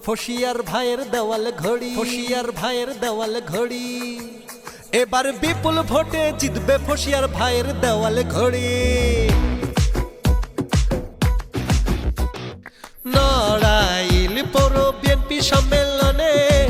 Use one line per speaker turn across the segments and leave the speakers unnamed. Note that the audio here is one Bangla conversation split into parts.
ফসিয়ার ভাইয়ের দেওয়াল ঘড়ি, ফসিয়ার ভাইয়ের দেওয়াল ঘড়ি। এবার বিপুল ভোটে জিতবে ফসিয়ার ভাইয়ের দেওয়াল ঘড়ি। নড়াইল পৌর বিএনপি সম্মেলনে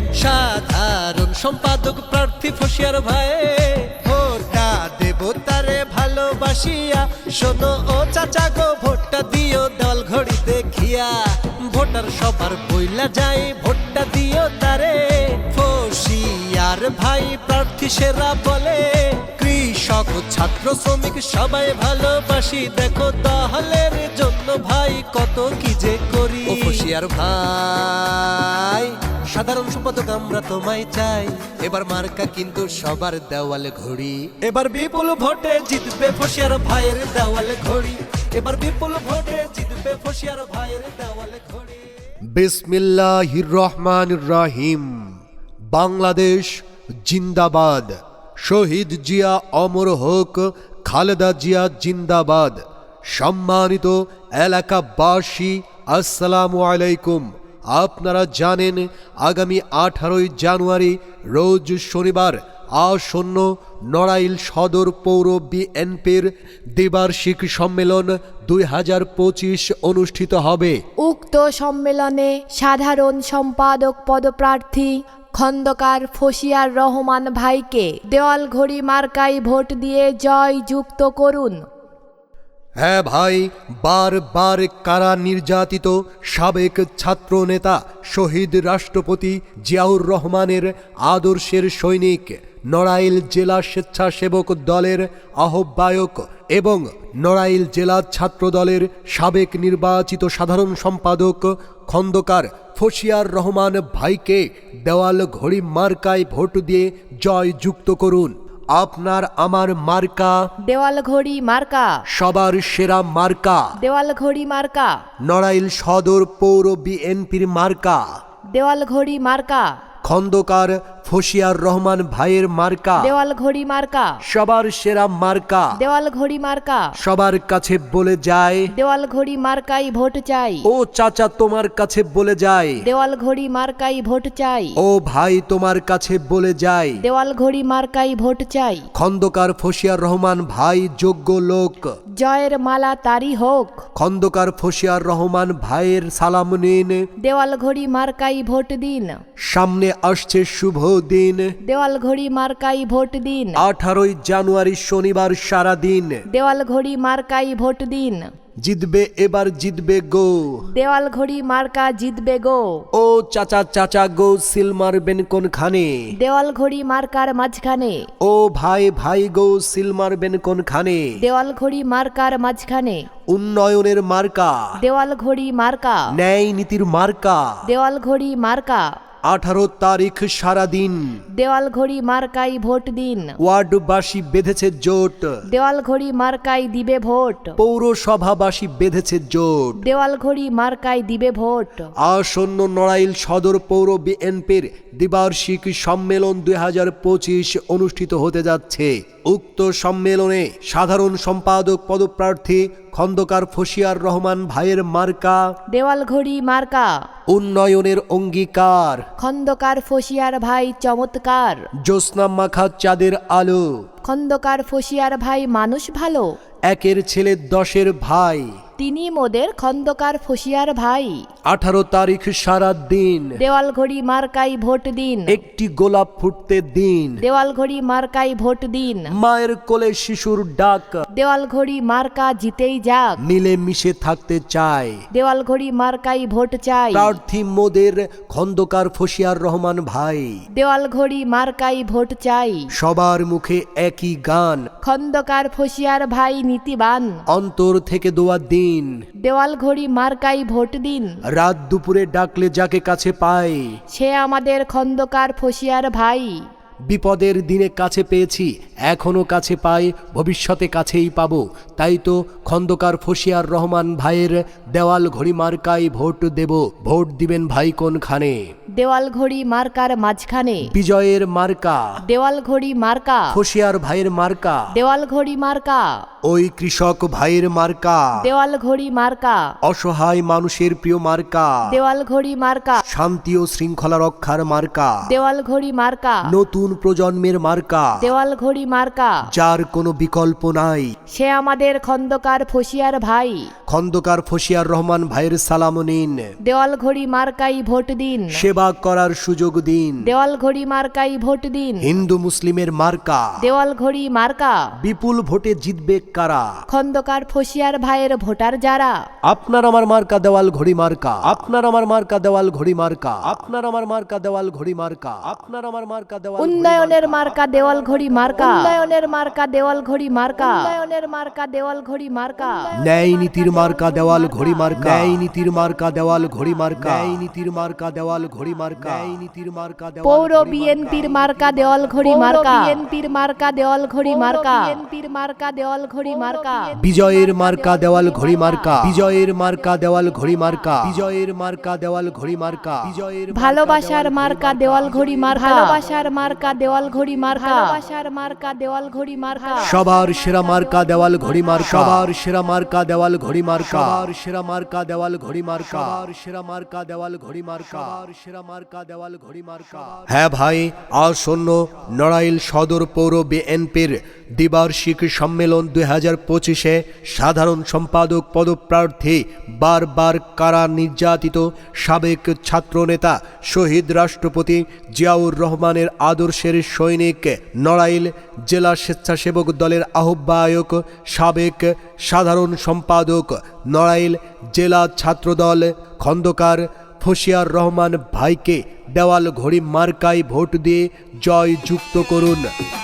সাধারণ সম্পাদক প্রার্থী ফসিয়ার ভাই। ভোটটা দেব তারে ভালোবাসিয়া, শোনো ও চাচা গো ভোটটা দিও দেওয়াল ঘড়ি দেখিয়া। ভোটার সবার বইলা যায় ভোটটা দিও তারে। ফসিয়ার ভাই প্রার্থী সেরা বলে, কৃষক ছাত্র শ্রমিক সবাই ভালোবাসি। দেখো দহলের জন্য ভাই কত কি যে করি। ও ফসিয়ার ভাই সাধারণ সম্পাদক আমরা তোমায় চাই। এবার মার্কা কিন্তু সবার দেওয়াল ঘড়ি। এবার বিপুল ভোটে জিতবে ফসিয়ার ভাইয়ের দেওয়াল ঘড়ি। এবার বিপুল ভোটে জিতবে ফসিয়ার ভাইয়ের দেওয়াল ঘড়ি।
বিসমিল্লাহির রহমানির রহিম। বাংলাদেশ জিন্দাবাদ। শহীদ জিয়া অমর হোক, খালেদা জিয়া জিন্দাবাদ। সম্মানিত এলাকাবাসী আসসালামু আলাইকুম। আপনারা জানেন আগামী 18 জানুয়ারি রোজ শনিবার আসন্ন নড়াইল সদর পৌর বিএনপির দ্বিবার্ষিক সম্মেলন 2025 অনুষ্ঠিত হবে।
উক্ত সম্মেলনে সাধারণ সম্পাদক পদপ্রার্থী খন্দকার ফসিয়ার রহমান ভাইকে দেওয়াল ঘড়ি মার্কায় ভোট দিয়ে জয় যুক্ত করুন।
হ্যাঁ ভাই, বারবার কারা নির্যাতিত সাবেক ছাত্র নেতা শহীদ রাষ্ট্রপতি জিয়াউর রহমানের আদর্শের সৈনিক, নড়াইল জেলা স্বেচ্ছাসেবক দলের আহ্বায়ক এবং নড়াইল জেলা ছাত্র দলের সাবেক নির্বাচিত সাধারণ সম্পাদক খন্দকার ফসিয়ার রহমান ভাইকে দেওয়াল ঘড়ি মার্কায় ভোট দিয়ে জয় যুক্ত করুন। আপনার আমার মার্কা
দেওয়াল ঘড়ি মার্কা,
সবার সেরা মার্কা।
দেওয়াল ঘড়ি মার্কা,
নড়াইল সদর পৌর বিএনপির মার্কা
দেওয়াল ঘড়ি মার্কা,
খন্দকার ফসিয়ার রহমান ভাইয়ের মার্কা
দেওয়াল ঘড়ি মার্কা,
সবার সেরা মার্কা।
দেওয়াল ঘড়ি মার্কা,
সবার কাছে বলে যায়
দেওয়াল ঘড়ি মার্কাই ভোট চাই।
ও চাচা তোমার কাছে বলে যায়
দেওয়াল ঘড়ি মার্কাই ভোট চাই।
ও ভাই তোমার কাছে বলে যায়
দেওয়াল ঘড়ি মার্কাই ভোট চাই।
খন্দকার ফসিয়ার রহমান ভাই যোগ্য লোক,
জয়ের মালা তারি হোক।
খন্দকার ফসিয়ার রহমান ভাইয়ের সালাম নিন।
দেওয়াল ঘড়ি মার্কাই ভোট দিন।
সামনে আসছে শুভ দিন,
দেওয়াল ঘড়ি মার্কাই ভোট দিন।
18 জানুয়ারি শনিবার সারা দিন।
দেওয়াল ঘড়ি মার্কাই ভোট দিন।
জিতবে এবার জিতবে গো,
দেওয়াল ঘড়ি মার্কা জিতবে গো।
ও চাচা চাচা গো সিল মারবেন কোনখানে।
দেওয়াল ঘড়ি মার্কার মাঝখানে।
ও ভাই ভাই গো সিল মারবেন কোনখানে।
দেওয়াল ঘড়ি মার্কার মাঝখানে।
উন্নয়নের মার্কা,
দেওয়াল ঘড়ি মার্কা,
ন্যায় নীতির মার্কা।
দেওয়াল ঘড়ি মার্কা।
18 তারিখ সারাদিন
দেওয়াল ঘড়ি মার্কাই ভোট দিন।
ওয়ার্ডবাসী বেঁধেছে জোট,
দেওয়াল ঘড়ি মার্কাই দিবে ভোট।
পৌরসভাবাসী বেঁধেছে জোট,
দেওয়াল ঘড়ি মার্কাই দিবে ভোট।
আসন্ন নড়াইল সদর পৌর বিএনপির দ্বিবার্ষিক সম্মেলন 2025 অনুষ্ঠিত হতে যাচ্ছে। উক্ত সম্মেলনে সাধারণ সম্পাদক পদপ্রার্থী খন্দকার ফসিয়ার রহমান ভাইয়ের মার্কা
দেওয়াল ঘড়ি মার্কা।
উন্নয়নের অঙ্গীকার,
খন্দকার ফসিয়ার ভাই চমৎকার।
জ্যোৎস্না মাখা চাঁদের আলো,
খন্দকার ফসিয়ার ভাই মানুষ ভালো।
একের ছেলে 10-এর ভাই,
তিনি মোদের খন্দকার ফসিয়ার ভাই।
18 তারিখ সারা দিন
দেওয়াল ঘড়ি মার্কাই ভোট দিন।
একটি গোলাপ ফুটতে দিন।
দেওয়াল ঘড়ি মার্কাই ভোট দিন।
মায়ের কোলে শিশুর ডাক,
দেওয়াল ঘড়ি মার্কা জিতেই যাক।
মিলে মিশে থাকতে চায়।
দেওয়াল ঘড়ি মার্কাই ভোট চাই।
প্রার্থী মোদের খন্দকার ফসিয়ার রহমান ভাই।
দেওয়াল ঘড়ি মার্কাই ভোট চাই।
সবার মুখে একই গান,
খন্দকার ফসিয়ার ভাই নীতিবান।
অন্তর থেকে দোয়া দিন।
দেওয়াল ঘড়ি মার্কাই ভোট দিন।
রাত দুপুরে ডাকলে যাকে কাছে পায়,
সে আমাদের খন্দকার ফসিয়ার ভাই।
বিপদের দিনে কাছে পেয়েছি, এখনো কাছে পাই, ভবিষ্যতে কাছেই পাবো। তাই তো খন্দকার ফসিয়ার রহমান ভাইয়ের দেওয়াল ঘড়ি মার্কায় ভোট দেব। ভোট দিবেন ভাই কোনখানে?
দেওয়াল ঘড়ি মার্কার মাঝখানে।
বিজয়ের মার্কা
দেওয়াল ঘড়ি মার্কা।
ফসিয়ার ভাইয়ের মার্কা
দেওয়াল ঘড়ি মার্কা।
ওই কৃষক ভাইয়ের মার্কা,
দেওয়াল ঘড়ি মার্কা,
অসহায় মানুষের প্রিয় মার্কা,
দেওয়াল ঘড়ি মার্কা,
শান্তি ও শৃঙ্খলা রক্ষার মার্কা,
দেওয়াল ঘড়ি মার্কা,
নতুন প্রজন্মের মার্কা,
দেওয়াল ঘড়ি মার্কা।
যার কোনো বিকল্প নাই।
সে আমাদের খন্দকার ফসিয়ার ভাই।
খন্দকার ফসিয়ার রহমান ভাইয়ের সালাম নিন।
দেওয়াল ঘড়ি মার্কাই ভোট দিন।
সেবা করার সুযোগ দিন।
দেওয়াল ঘড়ি মার্কাই ভোট দিন।
হিন্দু মুসলিমের মার্কা,
দেওয়াল ঘড়ি মার্কা।
বিপুল ভোটে জিতবে কারা?
খন্দকার ফসিয়ার ভাইয়ের ভোটার যারা।
আপনার আমার মার্কা দেওয়াল ঘড়ি মার্কা, আপনার আমার মার্কা দেওয়াল ঘড়ি মার্কা, আপনার আমার মার্কা দেওয়াল ঘড়ি মার্কা, আপনার আমার মার্কা দেওয়াল
উন্নয়নের মার্কা দেওয়াল ঘড়ি মার্কা, উন্নয়নের মার্কা দেওয়াল ঘড়ি মার্কা, উন্নয়নের মার্কা দেওয়াল ঘড়ি মার্কা।
ন্যায় নীতির মার্কা দেওয়াল ঘড়ি মার্কা, ন্যায় নীতির মার্কা দেওয়াল ঘড়ি মার্কা, ন্যায় নীতির মার্কা দেওয়াল ঘড়ি মার্কা, ন্যায় নীতির মার্কা দেওয়াল
পৌর বিএনপির মার্কা দেওয়াল ঘড়ি মার্কা, বিএনপির মার্কা দেওয়াল ঘড়ি মার্কা, বিএনপির মার্কা দেওয়াল ঘড়ি মার্কা।
বিজয়ের মার্কা দেওয়াল ঘড়ি মার্কা, বিজয়ের মার্কা দেওয়াল ঘড়ি মার্কা, বিজয়ের মার্কা দেওয়াল ঘড়ি মার্কা, বিজয়ের
ভালোবাসার মার্কা দেওয়াল ঘড়ি মার্কা, ভালোবাসার মার্কা দেওয়াল ঘড়ি মার্কা, ভালোবাসার মার্কা দেওয়াল ঘড়ি মার্কা।
সবার সেরা মার্কা দেওয়াল ঘড়ি মার্কা, সবার সেরা মার্কা দেওয়াল ঘড়ি মার্কা, সবার সেরা মার্কা দেওয়াল ঘড়ি মার্কা, সবার সেরা মার্কা দেওয়াল ঘড়ি মার্কা, সবার সেরা মার্কা দেওয়াল ঘড়ি মার্কা। হ্যাঁ ভাই, আসন্ন নড়াইল সদর পৌর বিএনপির দ্বিবার্ষিক সম্মেলন 2025-এ সাধারণ সম্পাদক পদপ্রার্থী বারবার কারা নির্যাতিত সাবেক ছাত্রনেতা শহীদ রাষ্ট্রপতি জিয়াউর রহমানের আদর্শের সৈনিক, নড়াইল জেলা স্বেচ্ছাসেবক দলের আহ্বায়ক, সাবেক সাধারণ সম্পাদক, নড়াইল জেলা ছাত্রদল খন্দকার ফসিয়ার রহমান ভাইকে দেওয়াল ঘড়ি মার্কায় ভোট দিয়ে জয় যুক্ত করুন।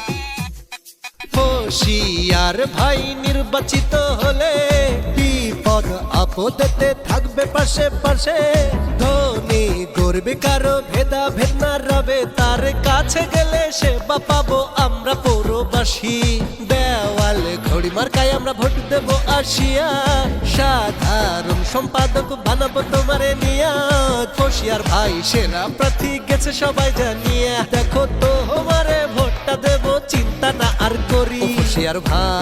ফসিয়ার ভাই নির্বাচিত হলে বিপদ আপদেতে থাকবে পাশে পাশে। ধনী গরিব কারো ভেদাভেদ না রবে, তার কাছে গেলে সেবা পাবো আমরা পৌরবাসী। দেওয়াল ঘড়ি মার্কায় আমরা ভোট দেব আসিয়া, সাধারণ সম্পাদক বানাবো তোমারে নিয়া। ফসিয়ার ভাই সেরা প্রার্থী গেছে সবাই জানিয়া, দেখো তো আমারে ভোটটা দেব চিন্তা না আর করি। ফসিয়ার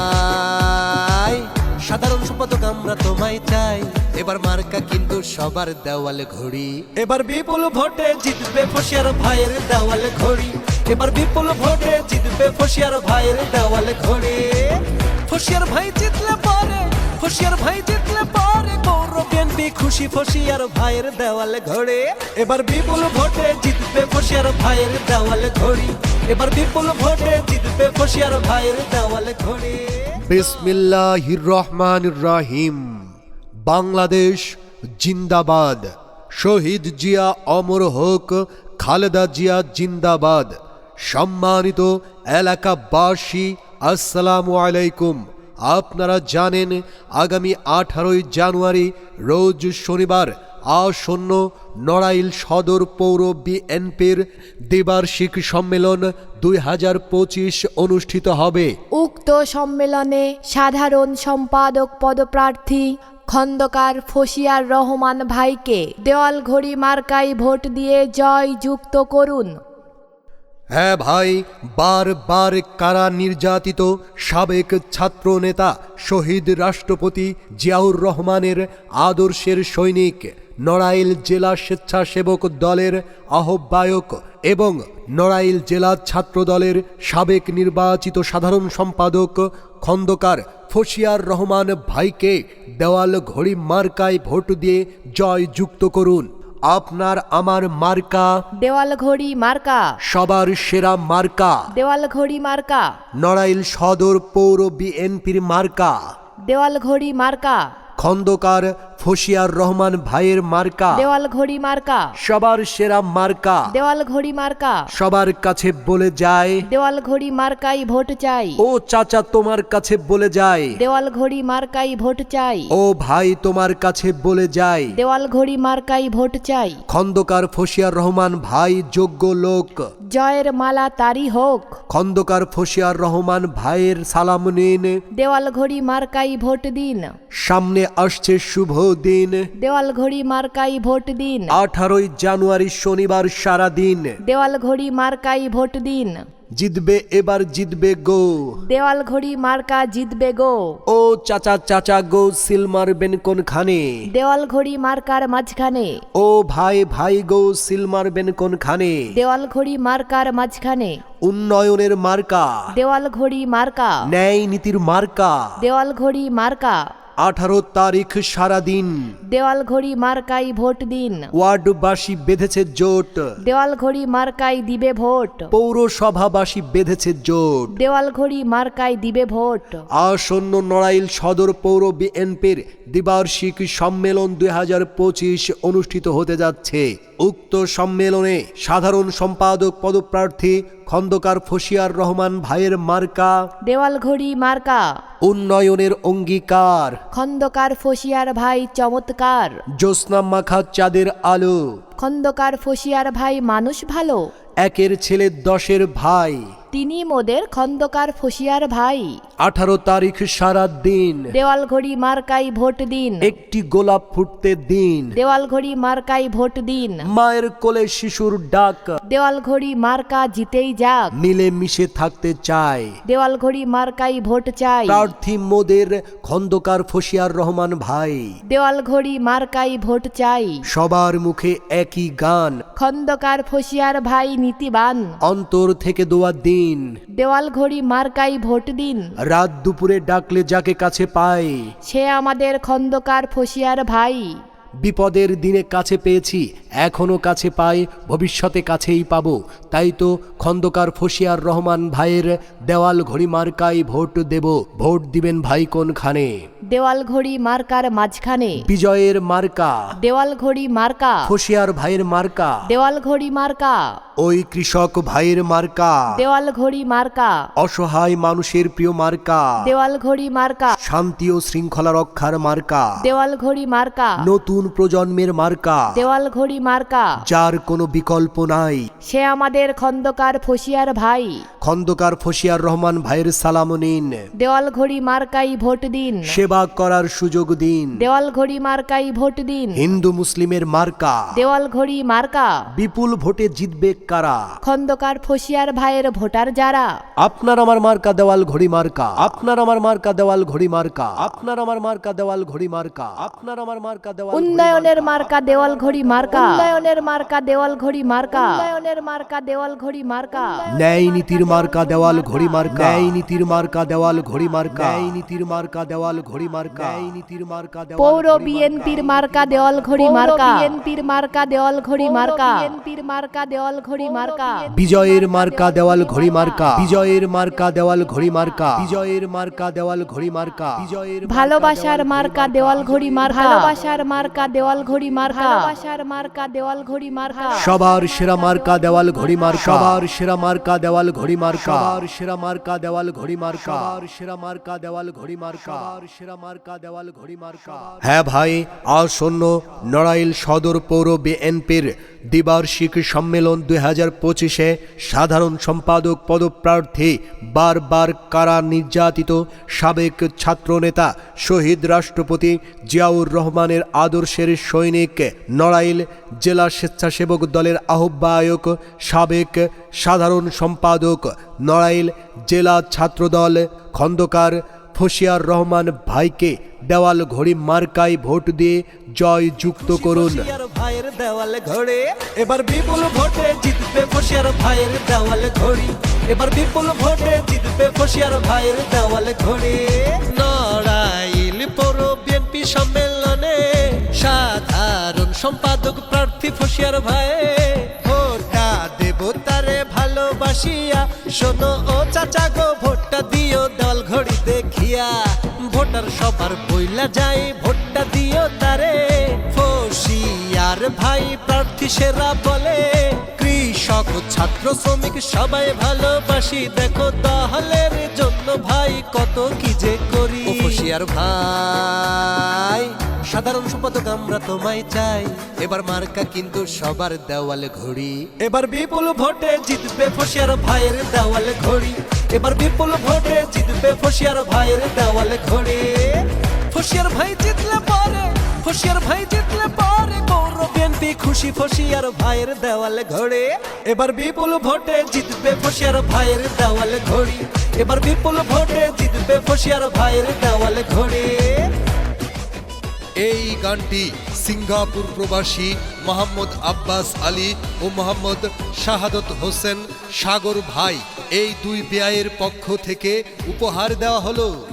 ভাই সাধারণ সম্পাদক আমরা তোমায় চাই, এবার মার্কা কিন্তু সবার দেওয়াল ঘড়ি। এবার বিপুল ভোটে জিতবে ফসিয়ার ভাইয়ের দেওয়াল ঘড়ি, এবার বিপুল ভোটে জিতবে ফসিয়ার ভাইয়ের দেওয়াল ঘড়ি। ফসিয়ার ভাই জিতলে পরে, ফসিয়ার ভাই জিতলে পরে পৌর বিএনপি খুশি। ফসিয়ার ভাইয়ের দেওয়াল ঘড়ি, এবার বিপুল ভোটে জিতবে ফসিয়ার ভাইয়ের দেওয়াল ঘড়ি, এবার বিপুল ভোটে জিতবে ফসিয়ার ভাইয়ের দেওয়াল ঘড়ি।
বিসমিল্লাহির রহমানির রহিম। বাংলাদেশ জিন্দাবাদ। শহীদ জিয়া অমর হোক, খালেদা জিয়া জিন্দাবাদ। সম্মানিত এলাকাবাসী, আসসালামু আলাইকুম। আপনারা জানেন আগামী 18 জানুয়ারি রোজ শনিবার আসন্ন নড়াইল সদর পৌর বিএনপির দ্বিবার্ষিক সম্মেলন 2025 অনুষ্ঠিত হবে।
উক্ত সম্মেলনে সাধারণ সম্পাদক পদপ্রার্থী খন্দকার ফসিয়ার রহমান ভাইকে দেওয়াল ঘড়ি মার্কায় ভোট দিয়ে জয় যুক্ত করুন।
হ্যাঁ ভাই, বারবার কারা নির্যাতিত সাবেক ছাত্র নেতা শহীদ রাষ্ট্রপতি জিয়াউর রহমানের আদর্শের সৈনিক, নড়াইল জেলা স্বেচ্ছাসেবক দলের আহ্বায়ক এবং নড়াইল জেলা ছাত্র দলের সাবেক নির্বাচিত সাধারণ সম্পাদক খন্দকার ফসিয়ার রহমান ভাইকে দেওয়াল ঘড়ি মার্কায় ভোট দিয়ে জয় যুক্ত করুন। আপনার আমার মার্কা
দেওয়াল ঘড়ি মার্কা,
সবার সেরা মার্কা,
দেওয়াল ঘড়ি মার্কা,
নড়াইল সদর পৌর বিএনপির মার্কা,
দেওয়াল ঘড়ি মার্কা,
খন্দকার ফসিয়ার রহমান ভাইয়ের মার্কা,
দেওয়াল ঘড়ি মার্কা,
সবার সেরা মার্কা,
দেওয়াল ঘড়ি মার্কা।
সবার কাছে বলে যায়,
দেওয়াল ঘড়ি মার্কাই ভোট চাই।
ও চাচা তোমার কাছে বলে যায়,
দেওয়াল ঘড়ি মার্কাই ভোট চাই।
ও ভাই তোমার কাছে বলে যায়,
দেওয়াল ঘড়ি মার্কাই ভোট চাই।
খন্দকার ফসিয়ার রহমান ভাই যোগ্য লোক,
জয়ের মালা তারি হোক।
খন্দকার ফসিয়ার রহমান ভাইয়ের সালাম নিন।
দেওয়াল ঘড়ি মার্কাই ভোট দিন।
সামনে আসছে শুভ দিন,
দেওয়াল ঘড়ি মার্কাই ভোট দিন।
18 জানুয়ারি শনিবার সারা দিন।
দেওয়াল ঘড়ি মার্কাই ভোট দিন।
জিতবে এবার জিতবে গো,
দেওয়াল ঘড়ি মার্কা জিতবে গো।
ও চাচা চাচা গো সিল মারবেন কোনখানে,
দেওয়াল ঘড়ি মার্কার মাঝখানে,
ও ভাই ভাই গো সিল মারবেন কোনখানে,
দেওয়াল ঘড়ি মার্কার মাঝখানে,
উন্নয়নের মার্কা,
দেওয়াল ঘড়ি মার্কা,
ন্যায় নীতির মার্কা,
দেওয়াল ঘড়ি মার্কা,
18 তারিখ সারাদিন
দেওয়াল ঘড়ি মার্কাই ভোট দিন।
ওয়ার্ডবাসী বেঁধেছে জোট,
দেওয়াল ঘড়ি মার্কাই দিবে ভোট,
পৌরসভাবাসী বেঁধেছে জোট,
দেওয়াল ঘড়ি মার্কাই দিবে ভোট।
আসন্ন নড়াইল সদর পৌর বিএনপির দ্বিবার্ষিক সম্মেলন 2025 অনুষ্ঠিত হতে যাচ্ছে। উক্ত সম্মেলনে সাধারণ সম্পাদক পদপ্রার্থী খন্দকার ফসিয়ার রহমান ভাইয়ের মার্কা,
দেওয়াল ঘড়ি মার্কা,
উন্নয়নের অঙ্গীকার,
খন্দকার ফসিয়ার ভাই চমৎকার,
জ্যোৎস্না মাখা চাঁদের আলো,
খন্দকার ফসিয়ার ভাই মানুষ ভালো,
একের ছেলে 10-এর ভাই,
তিনি মোদের খন্দকার ফসিয়ার ভাই।
18 তারিখ সারা দিন
দেওয়াল ঘড়ি মার্কাই ভোট দিন,
একটি গোলাপ ফুটতে দিন,
দেওয়াল ঘড়ি মার্কাই ভোট দিন,
মায়ের কোলে শিশুর ডাক,
দেওয়াল ঘড়ি মার্কা জিতেই যাক,
মিলে মিশে থাকতে চায়,
দেওয়াল ঘড়ি মার্কাই ভোট চাই,
প্রার্থী মোদের খন্দকার ফসিয়ার রহমান ভাই,
দেওয়াল ঘড়ি মার্কাই ভোট চাই,
সবার মুখে একই গান,
খন্দকার ফসিয়ার ভাই নীতিবান,
অন্তর থেকে দোয়া দিন,
দেওয়াল ঘড়ি মার্কাই ভোট দিন,
রাত দুপুরে ডাকলে যাকে কাছে পায়,
সে আমাদের খন্দকার ফসিয়ার ভাই।
বিপদের দিনে কাছে পেয়েছি, এখনো কাছে পাই, ভবিষ্যতে কাছেই পাবো, তাই তো খন্দকার ফসিয়ার রহমান ভাইয়ের দেওয়াল ঘড়ি মার্কাই ভোট দেব। ভোট দিবেন ভাই কোনখানে,
দেওয়াল ঘড়ি মার্কার মাঝখানে,
বিজয়ের মার্কা,
দেওয়াল ঘড়ি মার্কা,
ফসিয়ার ভাইয়ের মার্কা,
দেওয়াল ঘড়ি মার্কা,
ওই কৃষক ভাইয়ের মার্কা,
দেওয়াল ঘড়ি মার্কা,
অসহায় মানুষের প্রিয় মার্কা,
দেওয়াল ঘড়ি মার্কা,
শান্তি ও শৃঙ্খলা রক্ষার মার্কা,
দেওয়াল ঘড়ি মার্কা,
নতুন প্রজন্মের মার্কা,
দেওয়াল ঘড়ি মার্কা,
যার কোনো বিকল্প নাই,
সে আমাদের খন্দকার ফসিয়ার ভাই।
খন্দকার ফসিয়ার রহমান ভাইয়ের সালাম নিন,
দেওয়াল ঘড়ি মার্কাই ভোট দিন,
সেবা করার সুযোগ দিন,
দেওয়াল ঘড়ি মার্কাই ভোট দিন,
হিন্দু মুসলিমের মার্কা,
দেওয়াল ঘড়ি মার্কা,
বিপুল ভোটে জিতবে কারা,
খন্দকার ফসিয়ার ভাইয়ের ভোটার যারা।
আপনার আমার মার্কা দেওয়াল ঘড়ি মার্কা, আপনার আমার মার্কা দেওয়াল ঘড়ি মার্কা, আপনার আমার মার্কা দেওয়াল ঘড়ি মার্কা, আপনার আমার মার্কা দেওয়াল
উন্নয়নের মার্কা দেওয়াল ঘড়ি মার্কা, উন্নয়নের মার্কা দেওয়াল ঘড়ি মার্কা, উন্নয়নের মার্কা দেওয়াল ঘড়ি মার্কা,
ন্যায় নীতির মার্কা দেওয়াল ঘড়ি মার্কা, ন্যায় নীতির মার্কা দেওয়াল ঘড়ি মার্কা, ন্যায় নীতির মার্কা দেওয়াল ঘড়ি মার্কা, ন্যায় নীতির মার্কা দেওয়াল
পৌর বিএনপির মার্কা দেওয়াল ঘড়ি মার্কা, বিএনপির মার্কা দেওয়াল ঘড়ি মার্কা, বিএনপির মার্কা দেওয়াল ঘড়ি মার্কা,
বিজয়ের মার্কা দেওয়াল ঘড়ি মার্কা, বিজয়ের মার্কা দেওয়াল ঘড়ি মার্কা, বিজয়ের মার্কা দেওয়াল ঘড়ি মার্কা, বিজয়ের
ভালোবাসার মার্কা দেওয়াল ঘড়ি মার্কা, ভালোবাসার মার্কা দেওয়াল ঘড়ি মার্কা, ভালোবাসার মার্কা দেওয়াল ঘড়ি মার্কা,
সবার সেরা মার্কা দেওয়াল ঘড়ি মার্কা, সবার সেরা মার্কা দেওয়াল ঘড়ি মার্কা, সবার সেরা মার্কা দেওয়াল ঘড়ি মার্কা, সবার সেরা মার্কা দেওয়াল ঘড়ি মার্কা, সবার সেরা মার্কা দেওয়াল ঘড়ি মার্কা। হ্যাঁ ভাই, আসন্ন নড়াইল সদর পৌর বিএনপির দ্বিবার্ষিক সম্মেলন 2025-এ সাধারণ সম্পাদক পদপ্রার্থী বারবার কারা নির্যাতিত সাবেক ছাত্রনেতা শহীদ রাষ্ট্রপতি জিয়াউর রহমানের আদর্শের সৈনিক, নড়াইল জেলা স্বেচ্ছাসেবক দলের আহ্বায়ক, সাবেক সাধারণ সম্পাদক, নড়াইল জেলা ছাত্রদল খন্দকার ফসিয়ার রহমান ভাইকে দেওয়াল ঘড়ি মার্কায় ভোট দিয়ে জয় যুক্ত করুন।
ফসিয়ার ভাইয়ের দেওয়াল ঘড়ি এবার বিপুল ভোটে জিতবে ফসিয়ার ভাইয়ের দেওয়াল ঘড়ি, এবার বিপুল ভোটে জিতবে ফসিয়ার ভাইয়ের দেওয়াল ঘড়ি। নড়াইল পৌর বিএনপি সম্মেলনে সাধারণ সম্পাদক প্রার্থী ফসিয়ার ভাই, ভোটটা দেব তারে ভালোবাসিয়া, শোনো ও চাচা গো ভোটটা দিও দেওয়াল ঘড়ি দেখিয়া, ভোটার সবার বইলা যায় ভোটটা দিও তারে, ফসিয়ার ভাই প্রার্থী সেরা বলে, কৃষক ছাত্র শ্রমিক সবাই ভালোবাসি, দেখো দহলের জন্য ভাই কত কি যে করি। ফসিয়ার ভাই সাধারণ সম্পাদক আমরা তোমায় চাই, এবার মার্কা কিন্তু সবার দেওয়াল ঘড়ি, এবার বিপুল ভোটে জিতবে ফসিয়ার ভাইয়ের দেওয়াল ঘড়ি, এবার বিপুল ভোটে জিতবে ফসিয়ার ভাইয়ের দেওয়াল ঘড়ি। ফসিয়ার ভাই জিতলে পরে, ফসিয়ার ভাই জিতলে পরে পৌর বিএনপি খুশি ফসিয়ার ভাইয়ের দেওয়ালে ঘড়ে, এবার বিপুল ভোটে জিতবে ফসিয়ার ভাইয়ের দেওয়ালে ঘড়ি, এবার বিপুল ভোটে জিতবে ফসিয়ার ভাইয়ের দেওয়ালে ঘড়ি।
এই গানটি সিঙ্গাপুর প্রবাসী মোহাম্মদ আব্বাস আলী ও মোহাম্মদ শাহাদত হোসেন সাগর ভাই এই দুই বেয়ায়ের পক্ষ থেকে উপহার দেওয়া হলো।